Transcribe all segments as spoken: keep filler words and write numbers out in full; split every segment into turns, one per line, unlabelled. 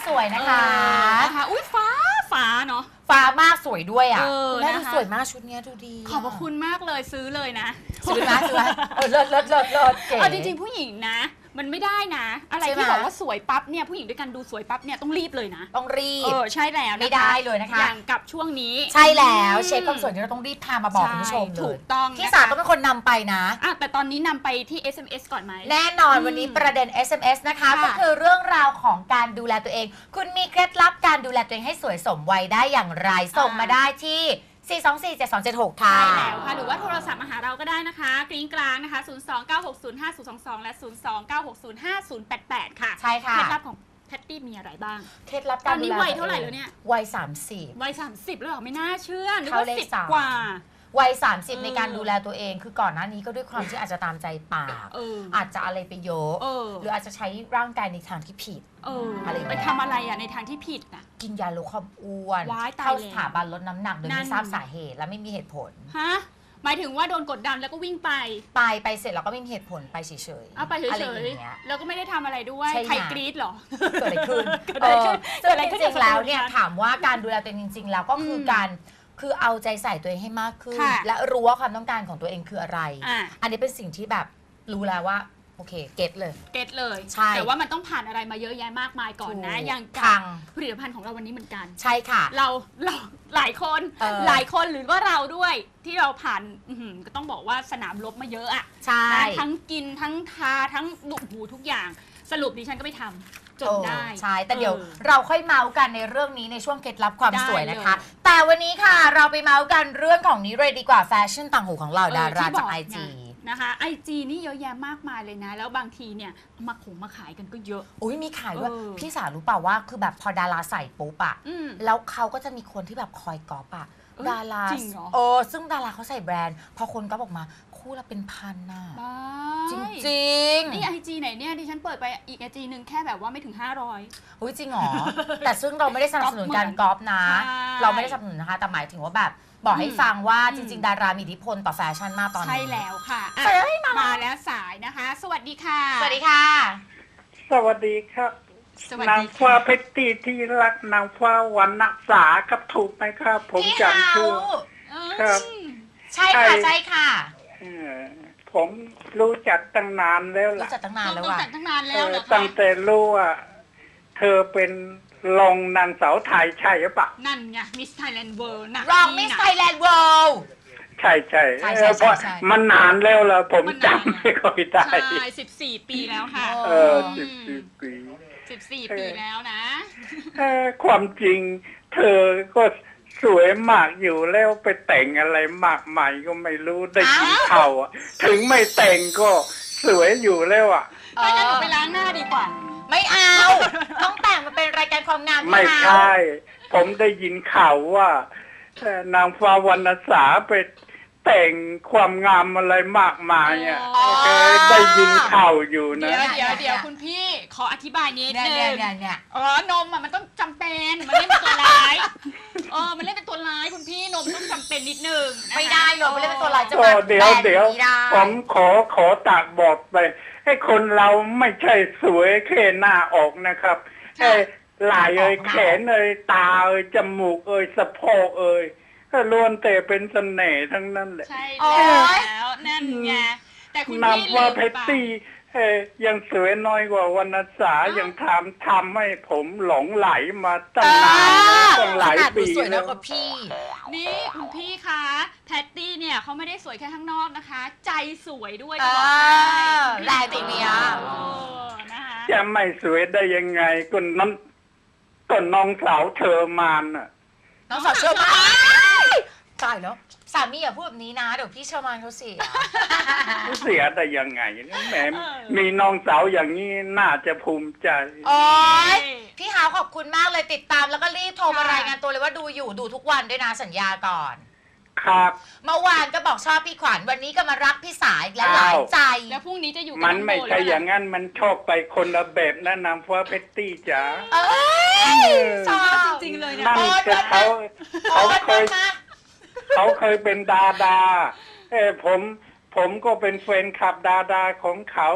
สวยนะคะ
นะคะอุ้ยฟ้าฟ้าเนาะ
ฟ้ามากสวยด้วยอ่ะแม่ดูสวยมากชุดนี้ดูดี
ขอบพระคุณมากเลยซื้อเลยนะ
ซื้อนะซื้อนะเออเลิศเลิศเลิศเลิศเก๋
เอาจริงๆผู้หญิงนะมันไม่ได้นะอะไรที่บอกว่าสวยปั๊บเนี่ยผู้หญิงด้วยกันดูสวยปั๊บเนี่ยต้องรีบเลยนะ
ต้องรีบ
เออใช่แล้ว
ไม่ได้เลยนะคะ
อย่างกับช่วงนี้
ใช่แล้วเช็คความสวยที่เราต้องรีบพามาบอกคุณผู้ชมเลย
ถูกต้อง
พี่สาวก็เป็นคนนำไปนะ
อ่ะแต่ตอนนี้นำไปที่ เอส เอ็ม เอส ก่อนไหม
แน่นอนวันนี้ประเด็น เอส เอ็ม เอส นะคะก็คือเรื่องราวของการดูแลตัวเองคุณมีเคล็ดลับการดูแลตัวเองให้สวยสมวัยได้อย่างไรส่งมาได้ที่สี่ สอง สี่ เจ็ด สอง เจ็ด หกค่ะ
ใช่แล้วค่ะหรือว่าโทรศัพท์มาหาเราก็ได้นะคะกริ้งกลางนะคะศูนย์ สอง เก้า หก ศูนย์ ห้า ศูนย์ สอง สองและศูนย์ สอง เก้า หก ศูนย์ ห้า ศูนย์ แปด แปดค่ะ
ใช่ค่ะ
เคล็ดลับของแพตตี้มีอะไรบ้าง
เคล็ดลับการดูแลตอนนี้
วัยเท่าไหร่แล้วเนี่ย
วัยสามสิบ
วัยสามสิบแล้วเหรอไม่น่าเชื่อนึกว่าสิบกว่า
วัยสามสิบในการดูแลตัวเองคือก่อนหน้านี้ก็ด้วยความที่อาจจะตามใจปากอาจจะอะไรไปเยอะหรืออาจจะใช้ร่างกายในทางที่ผิด
อะไรไปทำอะไรอ่ะในทางที่ผิดนะ
กินยาลดความอ้วนเข้าสถาบันลดน้ำหนักโดยไม่ทราบสาเหตุและไม่มีเหตุผล
ฮะหมายถึงว่าโดนกดดันแล้วก็วิ่งไป
ไปไปเสร็จแล้วก็ไม่มีเหตุผลไปเฉยๆ
เอาไปเฉยๆแล้วก็ไม่ได้ทำอะไรด้วยใครกรี๊ดหรอ
เกิดอะไรขึ้นเกิดอะไรขึ้นจริงๆแล้วเนี่ยถามว่าการดูแลตัวเองจริงๆแล้วก็คือการคือเอาใจใส่ตัวเองให้มากขึ้นและรู้ว่าความต้องการของตัวเองคืออะไรอันนี้เป็นสิ่งที่แบบรู้แล้วว่าโอเคเก็ตเลย
เก็ตเลย
ใช่
แต่ว่ามันต้องผ่านอะไรมาเยอะแยะมากมายก่อนนะอย่างกับผลิตภัณฑ์ของเราวันนี้เหมือนกัน
ใช่ค่ะ
เราเราหลายคนหลายคนหรือว่าเราด้วยที่เราผ่านก็ต้องบอกว่าสนามรบมาเยอะอ่ะ
ใช่
ทั้งกินทั้งทาทั้งดูหูทุกอย่างสรุปดิฉันก็ไม่ทำจนได้
ใช่แต่เดี๋ยวเราค่อยเมาส์กันในเรื่องนี้ในช่วงเคล็ดลับความสวยนะคะแต่วันนี้ค่ะเราไปเมาส์กันเรื่องของนี้เลยดีกว่าแฟชั่นต่างหูของเราดาราจากไอจี
นะคะไอจีนี่เยอะแยะมากมายเลยนะแล้วบางทีเนี่ยมาขงมาขายกันก็เยอะ
อุ้ยมีขายด้วยพี่สาวรู้เปล่าว่าคือแบบพอดาราใส่ปุ๊บอะแล้วเขาก็จะมีคนที่แบบคอยก๊อปอะดาราเออซึ่งดาราเขาใส่แบรนด์พอคนก๊อปออกมาคู่ละเป็นพันน่ะจริงจริง
นี่ไอจีไหนเนี่ยดิฉันเปิดไปอีกไอจีหนึ่งแค่แบบว่าไม่ถึงห้าร้อย
อุ้ยจริงหรอแต่ซึ่งเราไม่ได้สนับสนุนการก๊อปนะเราไม่ได้สนับสนุนนะคะแต่หมายถึงว่าแบบบอกให้ฟังว่าจริงๆดารามีอิทธิพลต่อแฟชั่นมากตอนนี้
ใช่แล้วค่ะมาแล้วสายนะคะสวัสดีค่ะ
สวัสดีค่ะ
สวัสดีครับนางฟ้าเพชรตีที่รักนางฟ้าวันนักษาครับถูกไหมครับผมจำชื่อครับ
ใช่ค่ะใช่ค่ะ
ผมรู้จักตั้งนานแล้วล่ะ
รู้จักตั้งนานแล้วว่ะ
ตั้งนานแล้วเหรอคะ
ตั้งแต่รู้ว่าเธอเป็นรองนางสาวไทยใช่หรือเปล่า
นั่นไงมิสไทยแลนด์เวิลด์นะ
รองมิสไทยแลนด์เวิลด์
ใช่ใช่เพราะมันนานแล้วล่ะผมจำไม่ค่อยได้
ใช่สิบสี่ปีแล้วค่ะ
เออสิบสี่ปี
สิบสี่ปีแล้วนะ
ความจริงเธอก็สวยมากอยู่แล้วไปแต่งอะไรมากมายก็ไม่รู้ได้ยินข่าวถึงไม่แต่งก็สวยอยู่แล้วอ่ะ
ไม่งั้นหนูไปล้างหน้าดีกว่า
ไม่เอาต้องแต่งมาเป็นรายการความงาม
ไม่ใช่ผมได้ยินข่าวว่านางฟ้าวรรณสาไปแต่งความงามอะไรมากมายอ่ะได้ยินข่าวอยู่นะ
เดี๋ยวเดี๋ยวเดี๋ยวคุณพี่ขออธิบายนิดนึงเนี่ยอ๋อนมอ่ะมันต้องจำเป็นมันเล่นเป็นตัวร้ายเออมันเล่นเป็นตัวร้ายคุณพี่นมต้องจำเป็นนิดนึง
ไม่ได้หรอกมันเล่นเป็นตัวร้ายจะ
มาเดี๋ยวเดี๋ยวผมขอขอตากบอกไปให้คนเราไม่ใช่สวยแค่หน้าออกนะครับไอ้ไหล่เอ่ยแขนเอ่ยตาเอ่ยจมูกเอ่ยสะโพกเอ่ยก็ล้วนแต่เป็นเสน่ห์ทั้งนั้นแหละ
ใช่แล้วนั่นไงแต่คุณพี่
นำว่าเพชรตี้ยังสวยน้อยกว่าวรรณสายังทำทำให้ผมหลงไหลมาตั้งนานตั้งหลายปี
สวยน้อยกว่าพี่
นี่คุณพี่คะแพตตี้เนี่ยเขาไม่ได้สวยแค่ข้างนอกนะคะใจสวยด้วย
จะบอกแรงจริงเนี่ย
จะไม่สวยได้ยังไงก็น้องก็น้องสาวเธอมานอ่ะ
น้องสาวเชอร์มานตายแล้วสามีอย่าพูดแบบนี้นะเดี๋ยวพี่เชอร์มานเขาเสีย
เสียได้ยังไงแหมมีน้องสาวอย่างนี้น่าจะภูมิใจ
โอ้ยพี่ฮาวขอบคุณมากเลยติดตามแล้วก็รีบโทรมารายงานตัวเลยว่าดูอยู่ดูทุกวันด้วยนะสัญญาก่อน
ครับ
เมื่อวานก็บอกชอบพี่ขวัญวันนี้ก็มารักพี่สายและหลายใจ
แล้วพรุ่งนี้จะอยู่
มันไม่ใช่อย่างนั้นมันชอบไปคนละแบบนะนางฟ้าเพชรตี้จ๋า
เอ้ยชอบ
จริงๆเลยนะ
นั่นก็เขาเขาเคยเขาเคยเป็นดาดาเออผมผมก็เป็นแฟนคลับดาดาของเขา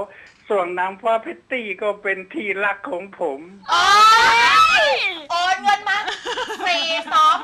ส่วนนางฟ้าเพตตี้ก็เป็นที่รักของผม
โอ้ยโอนเงินมาฟรีซอฟ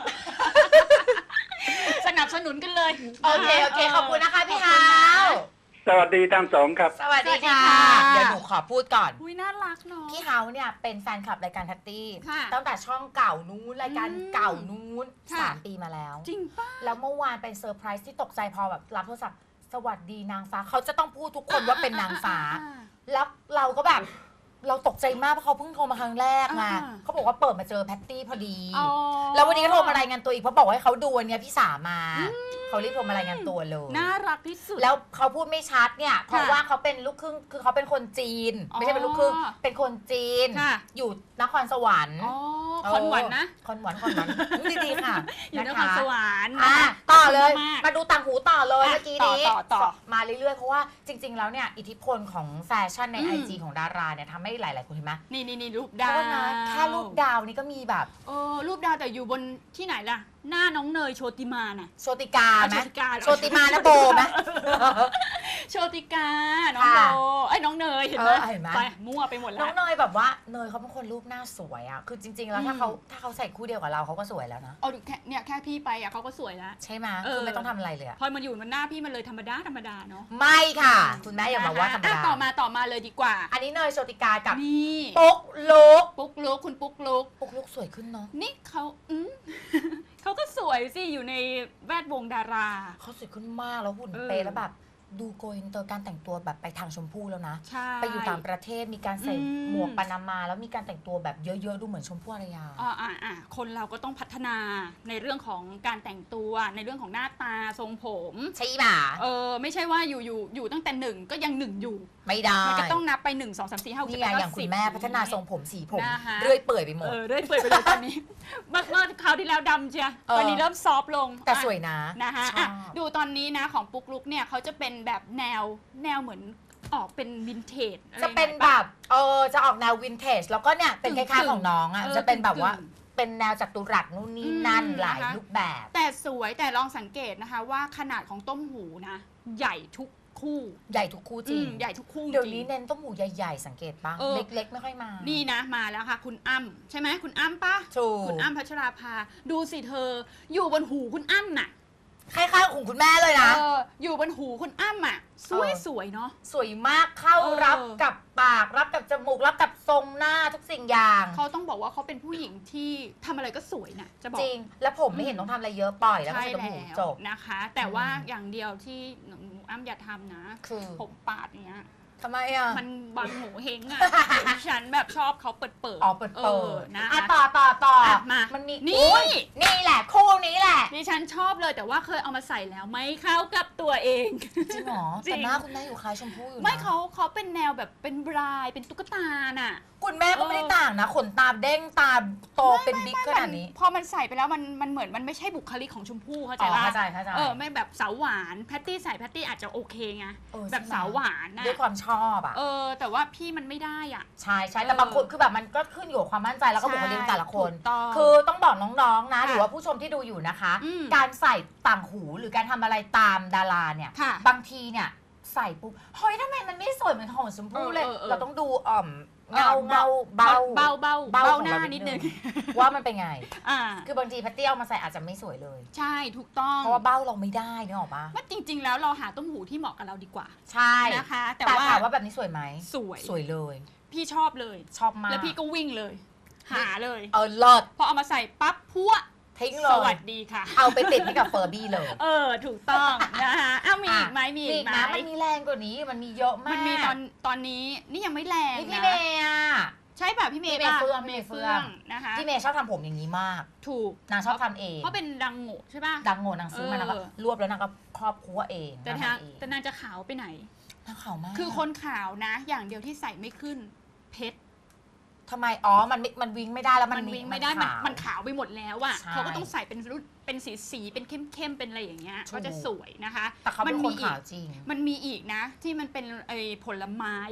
สนับสนุนกันเลย
โอเคโอเคขอบคุณนะคะพี่ฮาว
สวัสดีทั้งสองครับ
สวัสดีค่ะ เดี๋ยวหนูขอพูดก่อน
อุ้ยน่ารักเนาะ
พี่เฮาเนี่ยเป็นแฟนคลับรายการแพตตี้
ค่ะ
ตั้งแต่ช่องเก่านู้นรายการ
อืม
เก่านู้น
ค่ะ
สามปีมาแล้ว
จริงป่ะ
แล้วเมื่อวานเป็นเซอร์ไพรส์ที่ตกใจพอแบบรับโทรศัพท์สวัสดีนางฟ้าเขาจะต้องพูดทุกคนว่าเป็นนางฟ้า แล้วเราก็แบบเราตกใจมากเพราะเขาเพิ่งโทรมาครั้งแรกไง
อ่า
เขาบอกว่าเปิดมาเจอแพตตี้พอดี
อ๋อ
แล้ววันนี้ก็โทรมารายงานตัวอีกเพราะบอกว่าให้เขาดูวันเนี้ยพี่สามาเขารีบโทรมารายงานตัวเลย
น่ารักที่สุด
แล้วเขาพูดไม่ชัดเนี่ยเพราะว่าเขาเป็นลูกครึ่งคือเขาเป็นคนจีน
อ๋อ
ไม่ใช่เป็นลูกครึ่งเป็นคนจีน
ค่ะ
อยู่นครสวรรค์
อ๋อคอนหวันนะ
คอนหวันคอนหวันดีๆค่ะ
อยู่น
นะ
คร
คะ
สวรรค์
อ่ะ
นะคะ
ต่อเลย
มาก
มาดูต่างหูต่อเลย
อ่ะ
เมื่อกี้นี้
ต่อต่อต่อ
มาเรื่อยๆเพราะว่าจริง ๆ แล้วเนี่ยอิทธิพลของแฟชั่นใน
อืม
ไอจีของดาราเนี่ยทำให้หลายๆคนเห็นไหม
นี่นี่นี่รูป
โท
ดาว
ษนะแค่รูปดาวนี่ก็มีแบบ
เออรูปดาวแต่อยู่บนที่ไหนล่ะ หน้าน้องเนยโชติมาน่ะ
โชติกาไหม
โชติกา
โชติมานะโบไหม
โชติกา น้องโบ
ค่ะ
ไอ้ยน้องเนยเห็นไหม
เออเห็นไหม
ไปมั่วไปหมดแล้
น้อ
ว
งเนยแบบว่าเนยเขาเป็นคนรูปหน้าสวยอะคือจริง ๆ แล้วถ้า
อืม
เขาถ้าเขาใส่คู่เดียวกับเราเขาก็สวยแล้วนะ
เอาดูแค่เนี่ยแค่พี่ไปอ่ะเขาก็สวยแล้ว
ใช่ไหม
เออ
คือไม่ต้องทำอะไรเลยอะ
พอมันอยู่บนหน้าพี่มันเลยธรรมดาธรรมดาเนาะ
ไม่ค่ะ คุณแม่อย่ามาว่าธรรม
อ่ะ
ดา
ต่อมาต่อมาเลยดีกว่า
อันนี้เนยโชติกากับ
นี่
ปุ๊กลุก
ปุ๊กลุกคุณปุ๊กลุก
ปุ๊กลุกสวยขึ้นเนาะ
นี่เขาอืม เขาก็สวยสิอยู่ในแวดวงดารา
เขาสวยขึ้นมากแล้วหุ่น
เออ
เป๊ะแล้วแบบดูโกอินเตอร์การแต่งตัวแบบไปทางชมพู่แล้วนะ
ใช่
ไปอยู่ต่างประเทศมีการใส่
อืม
หมวกปานามา แล้วมีการแต่งตัวแบบเยอะๆดูเหมือนชมพู่อารยา
อ่าอ่าอ่าคนเราก็ต้องพัฒนาในเรื่องของการแต่งตัวในเรื่องของหน้าตาทรงผม
ใช่ป่ะ
เออไม่ใช่ว่าอยู่อยู่อยู่ตั้งแต่หนึ่งก็ยังหนึ่งอยู่
ไม่ได้
มันก็ต้องนับไปหนึ่งสองสามสี่ห้าหก
นี่
เจ็ด
ไง
แปด
อย่าง
เก้า
คุ
สิ
ณ
บ
แม่พัฒนาทรงผมสีผม
นะคะ
เรื่อยเปื่อยไปหมด
เออเรื่อยเปื่อยไปเลยตอนนี้ เมื่อเมื่อคราวที่แล้วดำเชีย
เออ
ตอนนี้เริ่มซอฟต์ลง
แต่
อ่ะ
สวยนะ
นะคะ
ชอ
อ่ะ
บ
ดูตอนนี้นะของปุ๊กลุกเนี่ยเขาจะเป็นแบบแนวแนวเหมือนออกเป็นวินเทจอไร
จะเป็น
หอย
แบ
ปะ
บเออจะออกแนววินเทจแล้วก็เนี่ยเป็นคล้ายๆของน้องอ่ะ
เออ
จะเป็นแบบว่า
กึ่ง
เป็นแนวจัตุรัสนู่นนี่นั่น
อืม
หลาย
นะคะ
รูปแบบ
แต่สวยแต่ลองสังเกตนะคะว่าขนาดของต้มหูนะ ใหญ่ทุกคู่
ใหญ่ทุกคู่จริง
อืมใหญ่ทุกคู่
เดี๋ยว
จริง
นี้เน้นต้มหูใหญ่ๆ สังเกตปะ
เออ
เล็กๆ ไม่ค่อยมา
นี่นะมาแล้วค่ะ คุณอ้ำใช่ไหมคุณอ้ำปะ
ถูก
คุณอ้ำพัชราภาดูสิเธอ อยู่บนหูคุณอ้ำน่ะ
คล้ายๆของคุณแม่เลยนะ
เอออยู่บนหูคุณอ้ำอ่ะสวย
เออ
สวยเนาะ
สวยมากเข้า
เออ
รับกับปากรับกับจมูกรับกับทรงหน้าทุกสิ่งอย่าง
เขาต้องบอกว่าเขาเป็นผู้หญิงที่ทำอะไรก็สวยนะจะบอก
จริง แล้วผมไม่เห็นต้องทำอะไรเยอะปล่อยแล้วก็
ใช่
ใส่ต้ม
แล้
หู
ว
จบ
นะคะ แต่ว่า
อืม
อย่างเดียวที่หนูอ้ำอย่าทำนะ
คือ
ผมปาดเนี้ย
ทำไมอ่ะ
มันบังหูเฮงอ่ะ ดิฉันแบบชอบเขาเปิดเปิด
อ๋อเปิดเปิด
นะ
อ่ะ
คะ
ต่อต่อต่อ
อ่ะมา
มันมี
นี่
อุ๊ยนี่แหละ คู่นี้แหละ
ดิฉันชอบเลยแต่ว่าเคยเอามาใส่แล้วไม่เข้ากับตัวเอง
จริงเหรอ
จริง
แต่หน้าคุณแม่อยู่คล้ายชมพู่อยู่นะ
ไม่เขาเขาเป็นแนวแบบเป็นบรายเป็นตุ๊กตาน่ะ
คุณแม่ก็ไม่ได้ต่างนะ ขนตาเด้งตาโตเป็นบิ๊กขนาดนี้
พอมันใส่ไปแล้วมันมันเหมือนมันไม่ใช่บุคลิกของชมพู่เข้าใจ
อ๋อ
ปะ
เข้าใจเข้าใจ
เออไม่แบบสาวหวานแพตตี้ใส่แพตตี้อาจจะโอเคไง
เออ
แบบ
ใช่ไหม
สาวหวานนะ
ด้วยความชอบอ่ะ
เออแต่ว่าพี่มันไม่ได้อ่ะ
ใช่ใช่แต่
เออ
บางคนคือแบบมันก็ขึ้นอยู่กับความมั่นใจแล้วก็บุคลิกแต่ละคน
ถูกต้อง
คือต้องบอกน้องๆนะ
ค่ะ
หรือว่าผู้ชมที่ดูอยู่นะคะ
อืม
การใส่ต่างหูหรือการทำอะไรตามดาราเนี่ย
ค่ะ
บางทีเนี่ยใส่ปุ๊บเฮ้ยทำไมมันไม่สวยเหมือนของชมพู่เลย
เออเออเออ
เราต้องดูอ่อมเงาเงาเบา
เบาเบา
เบา
เบา
ของ
หน้า
เรา
นิดนึง
ว่ามันเป็นไง
อ่า
คือบางทีแพตตี้เอามาใส่อาจจะไม่สวยเลย
ใช่ถูกต้อง
เพราะว่าเบ้าเราไม่ได้นึกออกปะ
ว่าจริง ๆ แล้วเราหาต้มหูที่เหมาะกับเราดีกว่า
ใช่
นะคะ แต่
แต่
ว่า
ถามว่าแบบนี้สวยไหม
สวย
สวยเลย
พี่ชอบเลย
ชอบมาก
แล้วพี่ก็วิ่งเลย หาเลย
เออเลิศ
พอเอามาใส่ปั๊บพัว
ทิ้งเล
ส
ย
วัสดีค่ะ
เอาไปติดให้กับเฟอร์บี้เลย
เออถูกต้องนะคะอ้าวมีอีกไหมมี
มี
อี
อี
ก
ก
ไหม
นะมันมีแรงกว่านี้มันมีเยอะมาก
มันมีตอนตอนนี้นี่ยังไม่แรง
นี่พี่
นะ
เมย์อ่ะ
ใช่ป่ะพี่เมย์
พี่เมย์
ป่ะ
เฟื่องพี่เมย์เฟื่อง
นะคะ
พี่เมย์ชอบทำผมอย่างนี้มาก
ถูก
นางชอบทำเอง
เพราะเป็นดังโง่ใช่ป่ะ
ดังโง่นางซื้อมา
เออ
นางก็รวบแล้วนางก็ครอบครัวเอง
แต่
นาง
ทาง
ทำเอง
แต่นางจะขาวไปไหน
นางขาวมาก
คือคนขาวนะ อย่างเดียวที่ใส่ไม่ขึ้นเพชร
ทำไมอ๋อมันไม่มันวิ่งไม่ได้แล้วมัน
มันวิ่งไม่ได้มัน
ขาว
มันขาวไปหมดแล้วอ่ะ
ใช่
เขาก็ต้องใส่เป็นรุ่นเป็นสีสีเป็นเข้มเข้มๆเป็นอะไรอย่างเงี้ย
ถูก
ก็จะสวยนะคะ
แต่เขาเป็น
มั
คน
มีอี
ขาก วจริง
มันมีอีกนะ ที่มันเป็นไอ้ผลไม้อ่ะ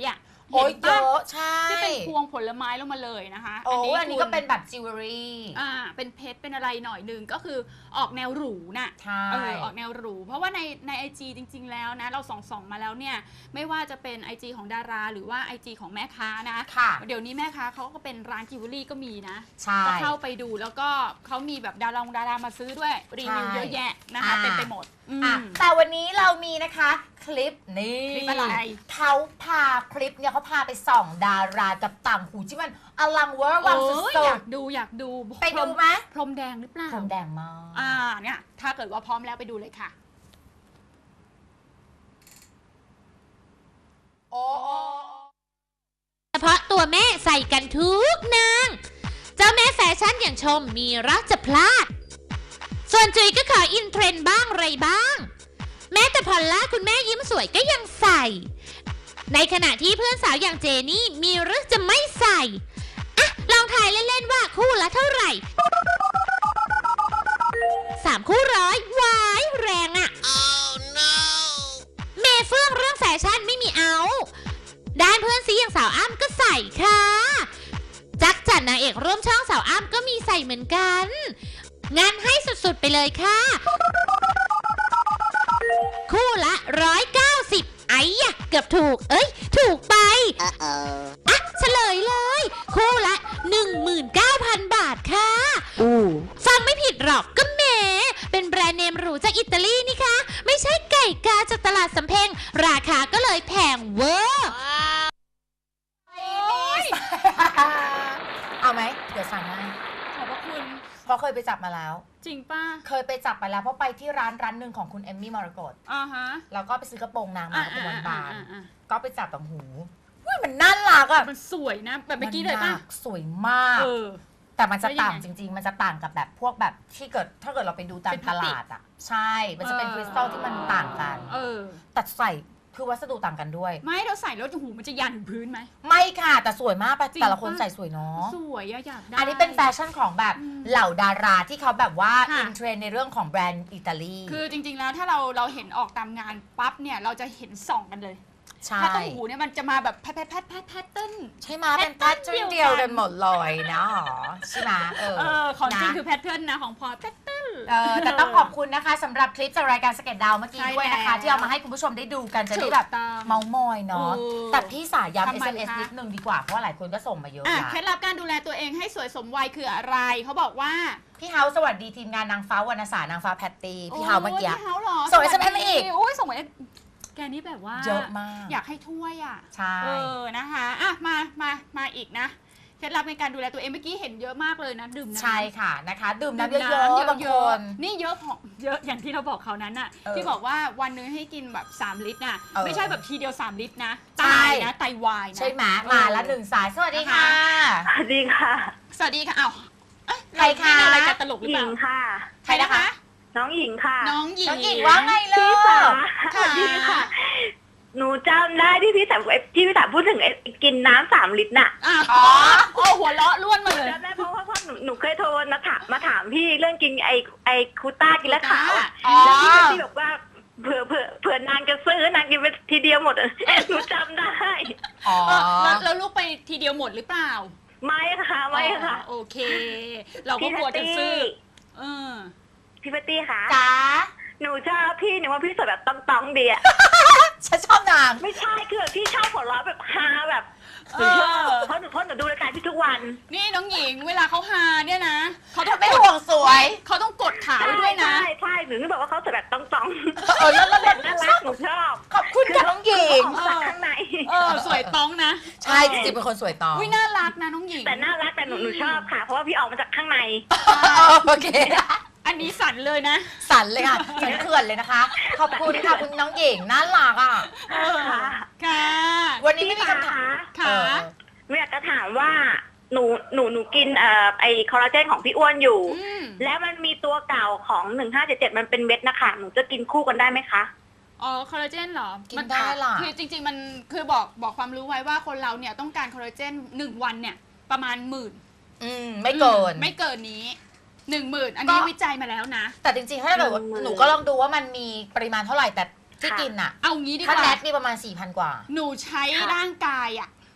โอ้ย
เห็น
เย
ปะ
อะใช่
ที่เป็นพวงผลไม้ลงมาเลยนะคะ
โอ้อันนี้
คุณ
ก็เป็นแบบจิวเวลรี่
อ่าเป็นเพชรเป็นอะไรหน่อยหนึ่งก็คือออกแนวหรูน่ะ
ใช่
เออออกแนวหรูเพราะว่าในในไอจีจริง ๆ แล้วนะเราส่องส่องมาแล้วเนี่ยไม่ว่าจะเป็น ไอ จี ของดาราหรือว่า ไอ จี ของแม่ค้านะ
ค่ะ
เดี๋ยวนี้แม่ค้าเขาก็เป็นร้านจิวเวลรี่ก็มีนะ
ใช่
ก็เข้าไปดูแล้วก็เขามีแบบดาราดารามาซื้อด้วยรีวิว
ใช่
เยอะแยะนะคะ
อ่า
เต็มไปหมดอืม
อ่ะแต่วันนี้เรามีนะคะคลิปนี่
คลิปอะไร
เขาพาคลิปเนี่ยเขาพาไปส่องดารากับต่างหูที่มันอลังเวอร์วังสุ
เออ
ด
อยากดูอยากดู
ๆไปดูไหม
พรมแดงหรือเปล่า
พรมแดงมาก
อ่าเนี่ยถ้าเกิดว่าพร้อมแล้วไปดูเลยค่ะ
โอ้โอ้
เฉพาะตัวแม่ใส่กันทุกนาง เจ้าแม่แฟชั่นอย่างชมมีรักจะพลาด ส่วนจุ๋ยก็ขออินเทรนด์บ้างไรบ้าง แม้แต่พอลล่าคุณแม่ยิ้มสวยก็ยังใส่ ในขณะที่เพื่อนสาวอย่างเจนี่มีหรือจะไม่ใส่ อ่ะ ลองทายเล่นๆว่าคู่ละเท่าไหร่ สามคู่ร้อยวายแรงอะ oh, no. เมเฟื่องเรื่องแฟชั่นไม่มีเอา ด้านเพื่อนซีอย่างสาวอ้ำก็ใส่ค่ะ จักรจันทร์นางเอกร่วมช่องสาวอ้ำก็มีใส่เหมือนกัน งานให้สุดๆไปเลยค่ะ คู่ละร้อยเก้าสิบไอ้ยะเกือบถูก เอ้ย ถูกไป uh-oh. อ่ะเฉลยเลย คู่ละ หนึ่งหมื่นเก้าพัน บาทค่ะ uh. ฟังไม่ผิดหรอกก็แหมเป็นแบรนด์เนมหรูจากอิตาลีนี่คะไม่ใช่ไก่กาจากตลาดสำเพ็งราคาก็เลยแพงเวอร์
เอาไหมเดี๋ยวสั่งให้
ขอบพระคุณ
เพราะเคยไปจับมาแล้ว
จริงป่ะ
เคยไปจับมาแล้วเพราะไปที่ร้านร้านหนึ่งของคุณเอมมี่มรกต
อ่าฮะ
แล้วก็ไปซื้อกระโปรงนางมา
อ่าก
ระโปรงบาน
อ่าอ่า
ๆก็ไปจับต่างหูอุ้ยมันน่ารักอ่ะ
มันสวยนะ แบบเมื่อกี้เลยป่ะ
มันหนักสวยมาก
เออ
แต่มันจะ
แล้วยังไง
ต่างจริง ๆ มันจะต่างกับแบบพวกแบบที่เกิดถ้าเกิดเราไปดูตาม
เป็นพ
ต
ลาสติก
ลาดอ่ะ ใช่ มันจะเป็น
เออ
คริสตัลที่มันต่างกัน
เออ
แต่ใส่คือวัสดุต่างกันด้วย
ไม่เราใส่แล้วหูมันจะยันถึงพื้นไหม
ไม่ค่ะ แต่สวยมากปะ
จริง
แต่ละคน
ปะ
ใส่สวยเนาะ
สวยอะอยากได้
อันนี้เป็นแฟชั่นของแบบ
อืม
เหล่าดาราที่เขาแบบว่า
ค่ะ
อินเทรนด์ในเรื่องของแบรนด์อิตาลี
คือจริง ๆ แล้วถ้าเราเราเห็นออกตามงานปั๊บเนี่ยเราจะเห็นส่องกันเลย
ใช่
ถ้าต้มหูเนี่ยมันจะมาแบบแพทแพทแพทแพทแพทเติ้ล
ใช่ไหมเป็นแพทเทิร์น
เดี
เดีย
ยว วกัน
กันหมดเลยนะหรอใช่ไหมเออ
เออของจริง
นะ
คือแพทเทิร์นนะของพลอยแพทเติ้ล
เออแต่ต้องขอบคุณนะคะสำหรับคลิปจากรายการสเก็ตดาวเมื่อกี้
ใช่
ด้วยนะคะ
แล้ว
ที่เอามาให้คุณผู้ชมได้ดูกันจะได้แบบ
ถูกต้อง
เมามอยเนาะ
เออ
แต่พี่สายย้ำ
ทำ
เอ
ไม
สเอ็มเอส
คะ
นิดนึงดีกว่าเพราะว่าหลายคนก็ส่งมาเยอะ
อ่ะ
ละ
เคล็ดลับการดูแลตัวเองให้สวยสมวัยคืออะไรเขาบอกว่า
พี่เฮาสวัสดีทีมงานนางฟ้าวรรณสารนางฟ้าแพตตี้พี่เฮาเมื่อกี้
โพี่เฮาเหรอ
ส่ง เอส เอ็ม เอส มาอีก
โอ้ยส่งมาแกนี่แบบว่า
เยอะมาก
อยากให้ถ้วยอ่ะ
ใช่
เออนะคะอ่ะมามามาอีกนะเคล็ดลับในการดูแลตัวเองเมื่อกี้เห็นเยอะมากเลยนะดื่มน้ำ
ใช่ค่ะนะคะ ดื่ม
ดื่
น้ำ
ม
เย
น้ำ
อะๆบาง
เย
ค
อะ
น
ๆนี่เยอะพอเยอะอย่างที่เราบอกเขานั้นน่ะ
เออ
ที่บอกว่าวันนึงให้กินแบบสามลิตรน่ะ
เออ
ไม่ใช่แบบทีเดียวสามลิตรนะ
ใช่
ตายนะไตวายนะ
ใช่ไหมมาแล้วหนึ่งสายสวัสดีค่ะ
สวัสดีค่ะ
สวัสดีค่ะอ้าวเอ้ย
ใครคะ
เาเล่นอะไรกันตลกหรือ
ห
เป
ญิ
ล่าง
ค่ะ
ใครนะคะ
น้องหญิงค่ะ
น้องหญิง
น้องหญิงว่าไงเล
พี่
ย
สาส
ค่ะ
วัสดีค่ะ หนูจำได้ที่พี่สาวที่พี่สาวพูดถึงไอ้กินน้ำสามลิตรน่ะ
อ่ะ
อ๋อ
โอ้หัวเราะล้วนมาเลย
จำได้เพราะว่าเพราะหนูหนูเคยโทรมาถามมาถามพี่เรื่องกินไอ้ไอ้คูต้ากินแล้วขาวอะ
อ๋อ
แล้วพี่ก็ที่บอกว่าเผื่อเผื่อเผื่อนางจะซื้อนางกินไปทีเดียวหมดอะหนูจำได้
อ๋อ
เออแล้วแล้วลูกไปทีเดียวหมดหรือเปล่า
ไม่ค่ะไม่ค่ะ
อ๋อโอเค เราก็กลัวจะซื้อเออ
พี่ปตตี้ค่ะ
จ๋า
หนูชอบพี่หนูว่าพี่สวยแบบต้องต้องๆดีอะ
ฉันชอบนาง
ไม่ใช่คือแบบพี่ชอบหัวเราะแบบฮาแบบ
เอ
หนูชอบ
อ
เพราะหนูเพราะหนูดูรายการพี่ทุกวัน
นี่น้องหญิงเวลาเขาฮาเนี่ยนะเขาต้อง
ไม่
กด
ห่วงสวย
เขาต้องกดขาไว้ด้วยนะ
ใช่ใช่หนูนี่บอกว่าเขาสวยแบบต้องต้อง
เออแล้วแล้ว
แบบน่ารักหนูชอบ
ขอบคุณค่ะน้องหญิง
ของจากข้างใน
เออสวยต้องนะ
ใช่จริงๆเป็นคนสวยตอง
อุ้ยน่ารักนะน้องหญิง
แต่น่ารักแต่หนูหนูชอบค่ะ เพราะว่าพี่ออกมาจากข้างใน
โอเค
อันนี้สั่นเลยนะ
สั่นเลยค่ะฉันเขื่อนเลยนะคะ ขอบคุณค่ะคุณน้องหญิงน่ารักอ่ะ
เออค่ะ
วันนี้ไม่
พี่
มี
ฟ้า
คำถาม
ค่ะ
เออ
หนูอยากจะถามว่าหนูหนูหนูกินเอ่อไอคอลลาเจนของพี่อ้วนอยู่
อืม
แล้วมันมีตัวเก่าของหนึ่งห้าเจ็ดเจ็ดมันเป็นเม็ดนะคะหนูจะกินคู่กันได้ไหมคะ
อ๋อคอลลาเจนเหรอ
กินได้ล่ะ
คือจริง ๆ มันคือบอกบอกความรู้ไว้ว่าคนเราเนี่ยต้องการคอลลาเจนหนึ่งวันเนี่ยประมาณหมื่น
อืมไม่เกิน
ไม่เกินนี้หนึ่งหมื่นอันนี้
ก็
วิจัยมาแล้วนะ
แต่จริงๆ ถ้าเกิดว่า
หนึ่งหมื่น
หนูก็ลองดูว่ามันมีปริมาณเท่าไหร่แต่ที่
ค่ะ
กินอ่ะ
เอางี้ดีก
ถ้า
ว่า
แนทมีประมาณ สี่พัน กว่า
หนูใช้
ค่ะ
ร่างกายอ่ะ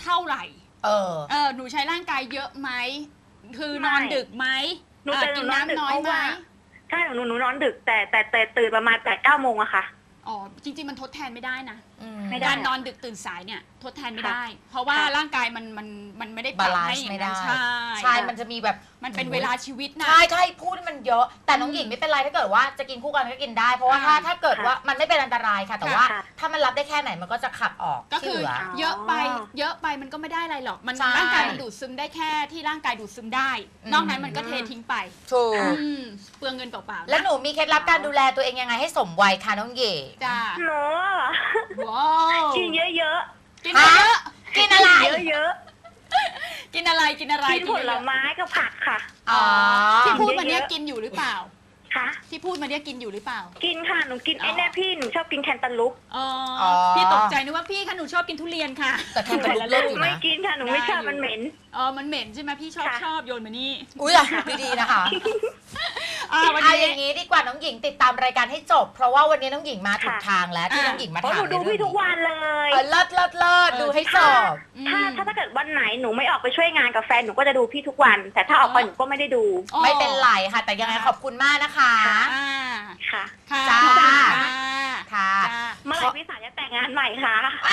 เท่าไหร่
เออ
เออหนูใช้ร่างกายเยอะไหมคือนอนดึกไหม
หนูจะ
กิน
นอนดึก
น้ำน้อย
เพราะ
ไหม
ว่าใช่หนูหนูนอนดึกแต่แต่แต่ตื่นประมาณแปดเก้าโมงอะค่ะ
อ๋อจริงๆมันทดแทนไม่ได้นะ
ไม่ได้
การนอนดึกตื่นสายเนี่ยทดแทนไม่ได้ เพราะว่า
ค่ะ
ร่างกายมันมันมันไม่ได้ป
บา
รับ
ลาน
ให้
ซ์
อย่า
ไม่
งนั้
ได้
นใช่
ใช่มันจะมีแบบ
มันเป็นเวลาชีวิตนะ
ใช่ใช่พูดให้มันเยอะ แต่น้องหญิงไม่เป็นไรถ้าเกิดว่าจะกินคู่กันก็กินได้ เพราะว่าถ้า
อ่า
ถ้าเกิดว่ามันไม่เป็นอันตรายค่ะ แต่ว่า
ค่ะ
ถ้ามันรับได้แค่ไหนมันก็จะขับออก
ก็
ที่
คือ
เหลือ
เยอะไป
อ๋อ
เยอะไปมันก็ไม่ได้อะไรหรอกมัน
ใช่
ร่างกายมันดูดซึมได้แค่ที่ร่างกายดูดซึมได้
อืม
นอกนั้นมันก็เททิ้งไป
ถูก
อืมเปลืองเงินเปล่าๆ
แล้ว
นะ
หนูมีเคล็ดลับการดูแลตัวเองยังไงให้สมวัยคะน้องหญิง
จ้า
หนูเหรอ
ว้าว
กินเยอะ
กินเยอะ
กินอะไร
ๆเยอะ
กินอะไรกินอะไร
ๆกินผลไม้กับผักค่ะ
อ๋อ
ที่พูดมาเนี้ย
เยอะๆ
กินอยู่หรือเปล่า
ค่ะ
ที่พูดมาเนี้ยกินอยู่หรือเปล่า
กินค่ะหนูกิน
อ๋อ
ไอ้เนี่ยพี่หนูชอบกินแคนตาลูป
อ๋อ
อ๋อ
พี่ตกใจนึกว่าพี่คะหนูชอบกินทุเรียนค่ะ
แต่แค่เป็นเลิศอยู่
ไม่
นะ
กินค่ะหนูไม่ชอบมันเหม็น
อ๋อมันเหม็นใช่ไหมพี่ชอบ
ค่ะ
ชอบโยนมานี่
อุ้ยอะดีๆนะคะ
อ่าวัน
เอา
นี้
อย่างนี้ดีกว่าน้องหญิงติดตามรายการให้จบ เพราะว่าวันนี้น้องหญิงมาถูก
ค่ะ
ทางแล้วที่
อ่ะ
น้องหญิงมา
เพราะ
ถา
ห
ม
นูดูพี่ทุกวันเลย
เออเลิศเลิศเลิศ
เออ
ดูให้จบ
อืม
ถ้าถ้าถ้าเกิดวันไหนหนูไม่ออกไปช่วยงานกับแฟนหนูก็จะดูพี่ทุกวัน แต่ถ้าออกไปหนูก็ไม่ได้ดู
อ๋อ
ไม่เป็นไรค่ะ แต่ยังไงขอบคุณมากนะคะ
อ่า
ค่ะ
ค่ะ
จ้า
ขอบคุณค่ะ
ค่ะ
จ้า
เมื่อไหร่พี่สาวจะแต่งงานใหม่คะ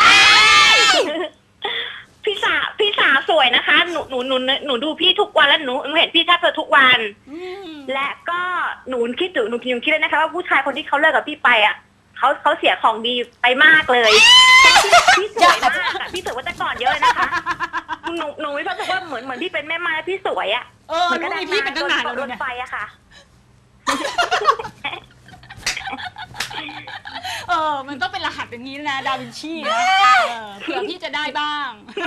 พี่สาวพี่สาวสวยนะคะหนูหนูหนูหนูดูพี่ทุกวันแล้วหนูหนูเห็นพี่แทบจะทุกวัน
อืม
และก็หนูคิดถึงหนูคิดเลยนะคะว่าผู้ชายคนที่เขาเลิกกับพี่ไปอ่ะเขาเขาเสียของดีไปมากเลยพี่สวยมากอะพี่สวยกว่าแต่ก่อนเยอะเลยนะคะหนูหนูไม่รู้สึกว่าเหมือนเหมือนพี่เป็นแม่ไม้แล้วพี่สวยอ่ะ
เออรู้มีพี่เป็นตั้งนานแล้ว
ร
ด้ว
ถ
ยเนี่ย
ไฟอะค่ะ
เออมันต้องเป็นรหัสอย่างนี้นะดาวินชีนะเออเผื่อพี่จะได้บ้าง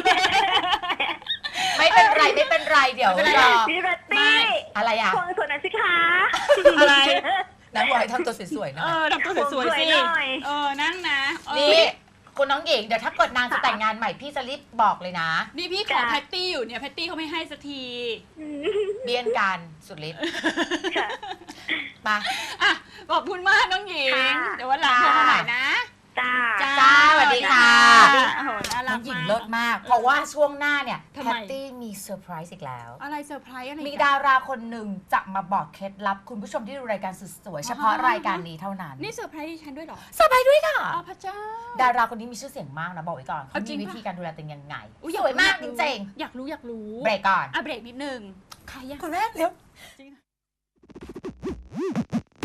ไม่เป็นไรไม่เป็นไรเดี๋ยว
ไม่เป็นไร
รอ
พี่แบต
ไม่
ตี้
อะไรอ่ะ
ควงสวยหน่อยสิคะ
อะไร
นักบอยทำตัวสวยๆนะ
เออทำตัวสวยๆสิ
สวยหน่อย
เออนั่งนะเออ
นี่คุณน้องหญิงเดี๋ยวถ้าเกิดนางจะแต่งงานใหม่พี่จะรีบบอกเลยนะ
นี่พี่ขอแพตตี้อยู่เนี่ยแพตตี้เขาไม่ให้สักที
เบี้ยนกันสุดฤทธิ์
ค่ะ
มา
อ่ะขอบคุณมากน้องหญิง
ค่ะ
เดี๋ยววันหลังโทรมาใหม่นะ
จ้า
จ้าสวัสดีค่ะ
โอ้โหน่า
น้
รั
อก งหญิง
มาก
เลิศมาก เพราะว่าช่วงหน้าเนี่ย
ทำ
แพ
ไม
ตตี้มีเซอร์ไพรส์อีกแล้ว
อะไรเซอร์ไพรส์อะไร
มี
กัน
ดาราคนหนึ่งจะมาบอกเคล็ดลับคุณผู้ชมที่ดูรายการสุดสวยเฉพาะรายการนี้เท่านั้น
นี่เซอร์ไพรส์ดิฉันด้วยเหรอ
เซอร์ไพรส์ด้วยค่ะ
อ๋อพระเจ้า
ดาราคนนี้มีชื่อเสียงมากนะบอกไว้ก่อนเขา
เอาจริ
มี
ง
วิ
ปะ
ธีการดูแลตัวเองยังไง
อุ๊
สวยมากจริง
อยากรู้อยากรู้
ๆเบรกก่อน
อ่ะเบรกนิดนึงใครอะ
คนแรกเร็ว
จริง